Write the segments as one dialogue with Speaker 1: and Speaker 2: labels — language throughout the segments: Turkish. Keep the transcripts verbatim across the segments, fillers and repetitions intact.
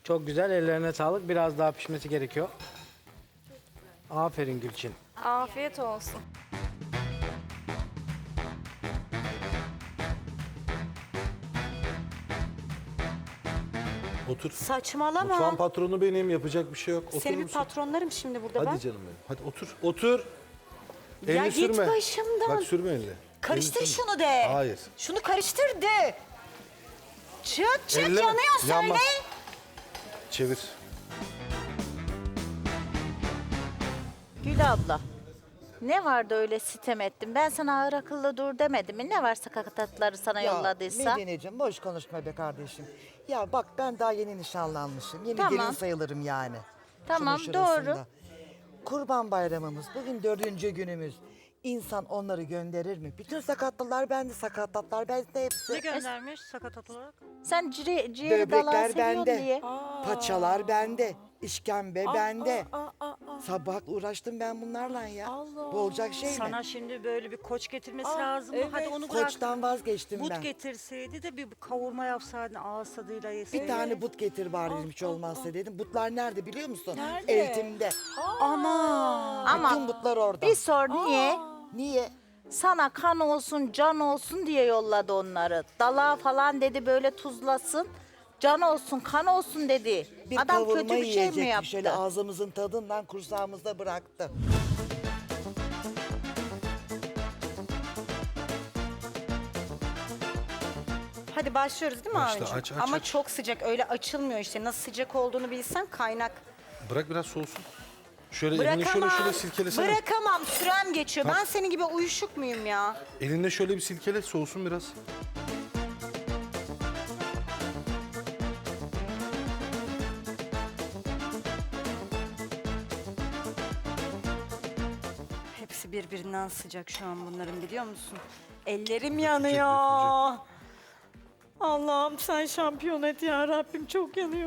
Speaker 1: Çok güzel, ellerine sağlık. Biraz daha pişmesi gerekiyor. Aferin Gülçin.
Speaker 2: Afiyet olsun.
Speaker 3: Otur.
Speaker 4: Saçmalama.
Speaker 3: Mutfağın patronu benim, yapacak bir şey yok. Oturur
Speaker 4: Senin bir
Speaker 3: musun?
Speaker 4: patronlarım şimdi burada
Speaker 3: Hadi
Speaker 4: ben.
Speaker 3: canım benim. Hadi otur. Otur.
Speaker 4: Ya
Speaker 3: Elini
Speaker 4: git
Speaker 3: sürme.
Speaker 4: başımdan.
Speaker 3: Bak sürme elini.
Speaker 4: Karıştır
Speaker 3: Elini sürme.
Speaker 4: şunu de.
Speaker 3: Hayır.
Speaker 4: Şunu karıştır de. Çık çık
Speaker 3: Elleme.
Speaker 4: yanıyor söyle.
Speaker 3: Yanmaz. Çevir.
Speaker 5: Gül abla, ne vardı öyle sitem ettim? Ben sana ağır akıllı dur demedim mi? Ne varsa kakatatları sana yolladıysa?
Speaker 6: Medine'cim boş konuşma be kardeşim. Ya bak ben daha yeni nişanlanmışım. Yeni
Speaker 5: Tamam.
Speaker 6: gelin sayılırım yani.
Speaker 5: Tamam,
Speaker 6: Şunun
Speaker 5: doğru.
Speaker 6: şurasında. Kurban bayramımız bugün dördüncü günümüz. İnsan onları gönderir mi? Bütün sakatlılar bende, sakatlatlar bende hepsi.
Speaker 4: Ne göndermiş sakatat olarak?
Speaker 5: Sen ciri, ciğeri dalağı
Speaker 6: Böbrekler
Speaker 5: seviyorsun
Speaker 6: bende,
Speaker 5: diye.
Speaker 6: paçalar bende, işkembe bende. Sabah uğraştım ben bunlarla ya. Bu olacak şey mi?
Speaker 4: Sana şimdi böyle bir koç getirmesi lazım. Hadi onu bırak.
Speaker 6: Koçtan vazgeçtim
Speaker 4: But
Speaker 6: ben.
Speaker 4: getirseydi de bir kavurma yapsaydın ağız tadıyla yeseydin.
Speaker 6: Bir tane but getir bari hiç olmazsa dedim. Butlar nerede biliyor musun? Nerede? Eğitimde.
Speaker 4: Ama
Speaker 5: Ama
Speaker 6: Bütün butlar orada.
Speaker 5: bir sor niye?
Speaker 6: Niye?
Speaker 5: Sana kan olsun, can olsun diye yolladı onları. Dalağı falan dedi böyle tuzlasın. Can olsun, kan olsun dedi.
Speaker 6: Bir
Speaker 5: Adam
Speaker 6: kavurma
Speaker 5: kötü bir şey mi
Speaker 6: yiyecekti,
Speaker 5: yaptı?
Speaker 6: şöyle ağzımızın tadından kursağımızda bıraktı.
Speaker 4: hadi başlıyoruz değil mi
Speaker 3: Başla,
Speaker 4: abicim?
Speaker 3: aç, aç,
Speaker 4: Ama
Speaker 3: aç.
Speaker 4: çok sıcak öyle açılmıyor işte. Nasıl sıcak olduğunu bilsen kaynak.
Speaker 3: Bırak biraz soğusun. Şöyle elini şöyle şöyle silkelesene.
Speaker 4: Bırakamam sürem geçiyor.
Speaker 3: Kalk.
Speaker 4: Ben senin gibi uyuşuk muyum ya?
Speaker 3: Elinde şöyle bir silkele, soğusun biraz.
Speaker 4: Hepsi birbirinden sıcak şu an bunların biliyor musun? Ellerim yanıyor. Allah'ım sen şampiyon et ya Rabbim çok yanıyor.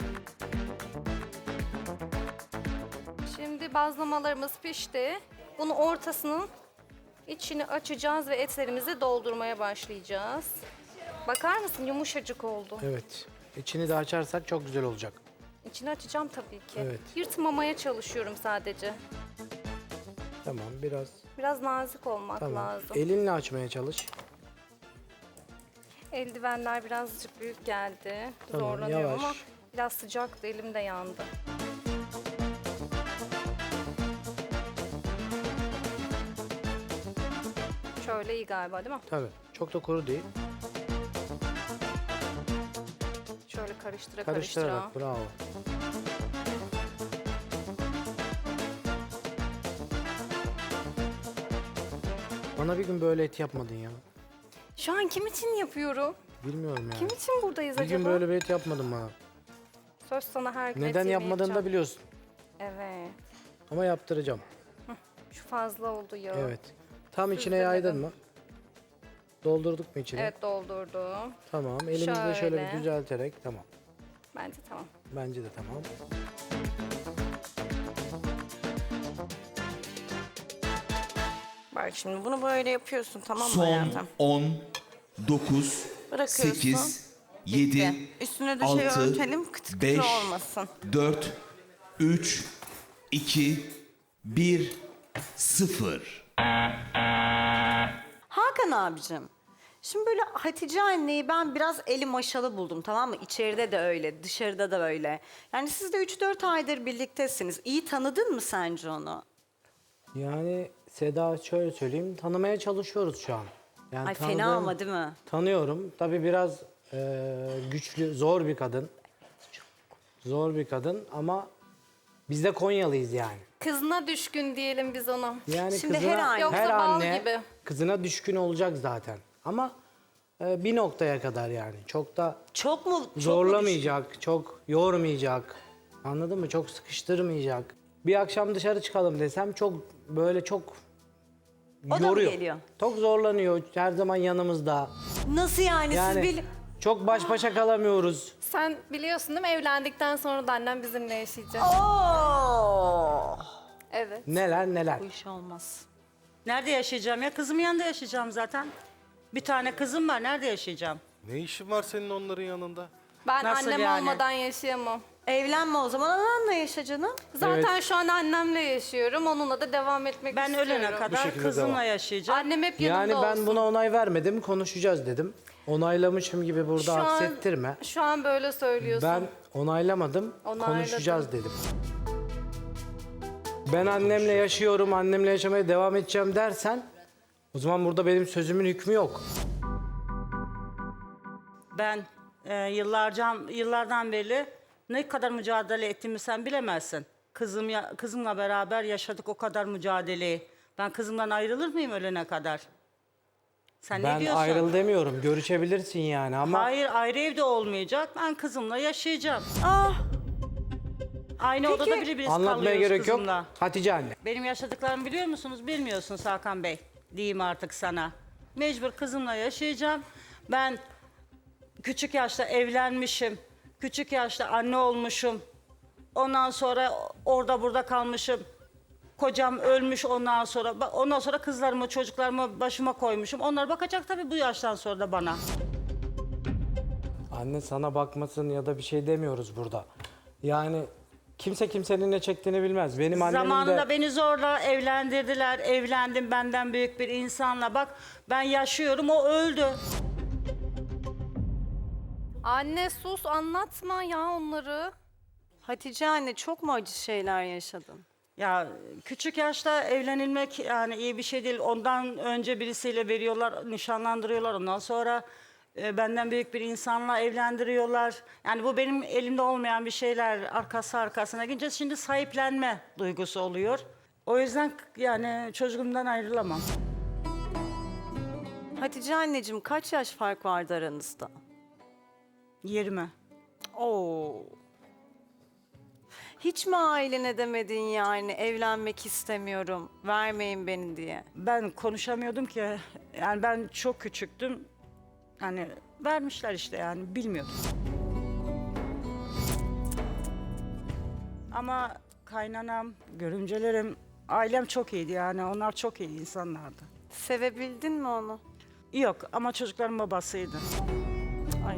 Speaker 2: Şimdi bazlamalarımız pişti. Bunu ortasının içini açacağız ve etlerimizi doldurmaya başlayacağız. Bakar mısın yumuşacık oldu.
Speaker 1: Evet. İçini de açarsak çok güzel olacak.
Speaker 2: İçini açacağım tabii ki.
Speaker 1: Evet.
Speaker 2: Yırtmamaya çalışıyorum sadece.
Speaker 1: Tamam, biraz.
Speaker 2: Biraz nazik olmak
Speaker 1: Tamam.
Speaker 2: lazım.
Speaker 1: Elinle açmaya çalış.
Speaker 2: Eldivenler birazcık büyük geldi.
Speaker 1: Tamam,
Speaker 2: Zorlanıyorum
Speaker 1: yavaş.
Speaker 2: ama biraz sıcaktı, elim de yandı. Şöyle iyi galiba değil mi?
Speaker 1: Tabii. Çok da kuru değil.
Speaker 2: Şöyle karıştıra karıştıra.
Speaker 1: Karıştırarak, bravo. Bana bir gün böyle et yapmadın ya.
Speaker 2: Şu an kim için yapıyorum?
Speaker 1: Bilmiyorum yani.
Speaker 2: Kim için buradayız
Speaker 1: Bir
Speaker 2: acaba?
Speaker 1: gün böyle bir et yapmadın bana.
Speaker 2: Söz sana her gün et
Speaker 1: Neden
Speaker 2: yemeği
Speaker 1: yapmadığını da
Speaker 2: yapacağım.
Speaker 1: biliyorsun.
Speaker 2: Evet.
Speaker 1: Ama yaptıracağım.
Speaker 2: Şu fazla oldu ya.
Speaker 1: Evet. Tam içine
Speaker 2: Süzdürmedim.
Speaker 1: yaydın mı? Doldurduk mu içine?
Speaker 2: Evet doldurdum.
Speaker 1: Tamam. Elimizle şöyle,
Speaker 2: Şöyle.
Speaker 1: bir düzelterek tamam.
Speaker 2: Bence tamam.
Speaker 1: Bence de tamam.
Speaker 4: Bak şimdi bunu böyle yapıyorsun tamam mı
Speaker 7: Son
Speaker 4: hayatım?
Speaker 7: on, dokuz,
Speaker 4: Bırakıyorsun.
Speaker 7: sekiz, yedi,
Speaker 4: Üstüne de şey
Speaker 7: altı,
Speaker 4: örtelim kıtı kıtı
Speaker 7: beş,
Speaker 4: olmasın.
Speaker 7: dört, üç, iki, bir, sıfır.
Speaker 4: Hakan abicim. Şimdi böyle Hatice anneyi ben biraz eli maşalı buldum tamam mı? İçeride de öyle, dışarıda da öyle. Yani siz de üç dört aydır birliktesiniz. İyi tanıdın mı sence onu?
Speaker 1: Yani Seda şöyle söyleyeyim, tanımaya çalışıyoruz şu an. Yani
Speaker 4: Ay fena
Speaker 1: tanıdığım-
Speaker 4: ama değil mi?
Speaker 1: Tanıyorum. Tabii biraz e, güçlü, zor bir kadın. Zor bir kadın ama biz de Konyalıyız yani.
Speaker 2: Kızına düşkün diyelim biz ona.
Speaker 1: Yani
Speaker 4: Şimdi
Speaker 1: kızına,
Speaker 4: her anne-
Speaker 2: Yoksa
Speaker 1: her
Speaker 2: bal
Speaker 1: anne
Speaker 2: gibi.
Speaker 1: kızına düşkün olacak zaten. Ama e, bir noktaya kadar yani. Çok da
Speaker 4: Çok mu? Çok mu
Speaker 1: zorlamayacak, çok yormayacak. Anladın mı? Çok sıkıştırmayacak. Bir akşam dışarı çıkalım desem çok böyle çok
Speaker 4: O da mı
Speaker 1: yoruyor.
Speaker 4: geliyor?
Speaker 1: Çok zorlanıyor. Her zaman yanımızda.
Speaker 4: düşkün? Nasıl yani,
Speaker 1: Yani
Speaker 4: siz bil...
Speaker 1: çok baş başa kalamıyoruz.
Speaker 2: Sen biliyorsun değil mi evlendikten sonra da annem bizimle yaşayacak.
Speaker 4: Oo!
Speaker 2: Evet.
Speaker 1: Neler neler.
Speaker 4: Bu iş olmaz. Nerede yaşayacağım ya? Kızımın yanında yaşayacağım zaten. Bir tane kızım var. Nerede yaşayacağım?
Speaker 3: Ne işin var senin onların yanında?
Speaker 2: Ben
Speaker 8: Nasıl
Speaker 2: annem
Speaker 8: yani?
Speaker 2: olmadan yaşayamam.
Speaker 4: Evlenme o zaman, ananla yaşa canım.
Speaker 2: Zaten şu an annemle yaşıyorum. Onunla da devam etmek
Speaker 8: Ben
Speaker 2: istiyorum.
Speaker 8: ölene kadar
Speaker 3: şekilde
Speaker 8: kızımla
Speaker 3: devam.
Speaker 8: yaşayacağım.
Speaker 2: Annem hep yanımda
Speaker 1: Yani ben
Speaker 2: olsun.
Speaker 1: buna onay vermedim, konuşacağız dedim. Onaylamışım gibi burada
Speaker 2: Şu an-
Speaker 1: aksettirme.
Speaker 2: Şu an böyle söylüyorsun.
Speaker 1: Ben onaylamadım,
Speaker 2: Onayladım.
Speaker 1: konuşacağız dedim. Ben annemle yaşıyorum, annemle yaşamaya devam edeceğim dersen o zaman burada benim sözümün hükmü yok.
Speaker 8: Ben e, yıllarca yıllardan beri ne kadar mücadele ettiğimi sen bilemezsin. Kızım ya, kızımla beraber yaşadık o kadar mücadeleyi. Ben kızımdan ayrılır mıyım ölene kadar? Sen
Speaker 1: Ben
Speaker 8: ne diyorsun?
Speaker 1: ayrıl demiyorum, görüşebilirsin yani ama
Speaker 8: Hayır, ayrı evde olmayacak. Ben kızımla yaşayacağım.
Speaker 4: Ah,
Speaker 8: Aynı odada bile biz
Speaker 1: anlatmaya
Speaker 8: kalıyoruz
Speaker 1: gerek yok.
Speaker 8: kızımla.
Speaker 1: Hatice anne.
Speaker 8: Benim yaşadıklarımı biliyor musunuz? Bilmiyorsunuz Hakan Bey. Diyeyim artık sana. Mecbur kızımla yaşayacağım. Ben küçük yaşta evlenmişim. Küçük yaşta anne olmuşum. Ondan sonra orada burada kalmışım. Kocam ölmüş ondan sonra. Ba- Ondan sonra kızlarımı, çocuklarımı başıma koymuşum. Onlar bakacak tabii bu yaştan sonra da bana.
Speaker 1: Anne sana bakmasın ya da bir şey demiyoruz burada. Yani kimse kimsenin ne çektiğini bilmez. Benim annemin
Speaker 8: Zamanında
Speaker 1: de...
Speaker 8: beni zorla evlendirdiler. Evlendim benden büyük bir insanla. Bak ben yaşıyorum, o öldü.
Speaker 2: Anne sus, anlatma ya onları.
Speaker 4: Hatice anne, çok mu acı şeyler yaşadın?
Speaker 8: Ya küçük yaşta evlenilmek yani iyi bir şey değil. Ondan önce birisiyle veriyorlar, nişanlandırıyorlar. Ondan sonra e, benden büyük bir insanla evlendiriyorlar. Yani bu benim elimde olmayan bir şeyler. Arkası arkasına gidince şimdi sahiplenme duygusu oluyor. O yüzden yani çocuğumdan ayrılamam.
Speaker 4: Hatice anneciğim, kaç yaş fark vardı aranızda?
Speaker 8: Yerime.
Speaker 4: Oo. Hiç mi ailene demedin yani evlenmek istemiyorum, vermeyin beni diye?
Speaker 8: Ben konuşamıyordum ki. Yani ben çok küçüktüm. Yani vermişler işte yani bilmiyordum. Ama kaynanam, görümcelerim, ailem çok iyiydi yani. Onlar çok iyi insanlardı.
Speaker 4: Sevebildin mi onu?
Speaker 8: Yok ama çocukların babasıydı.
Speaker 4: Ay.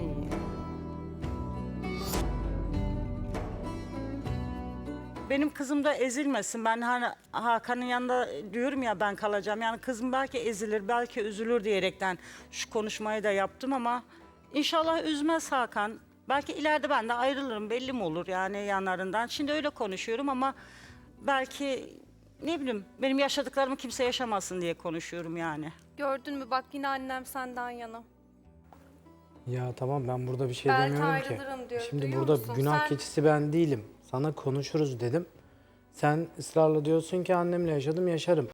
Speaker 8: Benim kızım da ezilmesin. Ben hani Hakan'ın yanında diyorum ya ben kalacağım. Yani kızım belki ezilir, belki üzülür diyerekten şu konuşmayı da yaptım ama inşallah üzmez Hakan. Belki ileride ben de ayrılırım, belli mi olur yani yanlarından. Şimdi öyle konuşuyorum ama belki ne bileyim benim yaşadıklarımı kimse yaşamasın diye konuşuyorum yani.
Speaker 2: Gördün mü bak yine annem senden yana.
Speaker 1: Ya tamam ben burada bir şey
Speaker 2: Belki
Speaker 1: demiyorum ki.
Speaker 2: ayrılırım diyor,
Speaker 1: Şimdi
Speaker 2: duyuyor
Speaker 1: burada
Speaker 2: musun?
Speaker 1: günah
Speaker 2: Sen-
Speaker 1: keçisi ben değilim. Sana konuşuruz dedim. Sen ısrarla diyorsun ki annemle yaşadım yaşarım.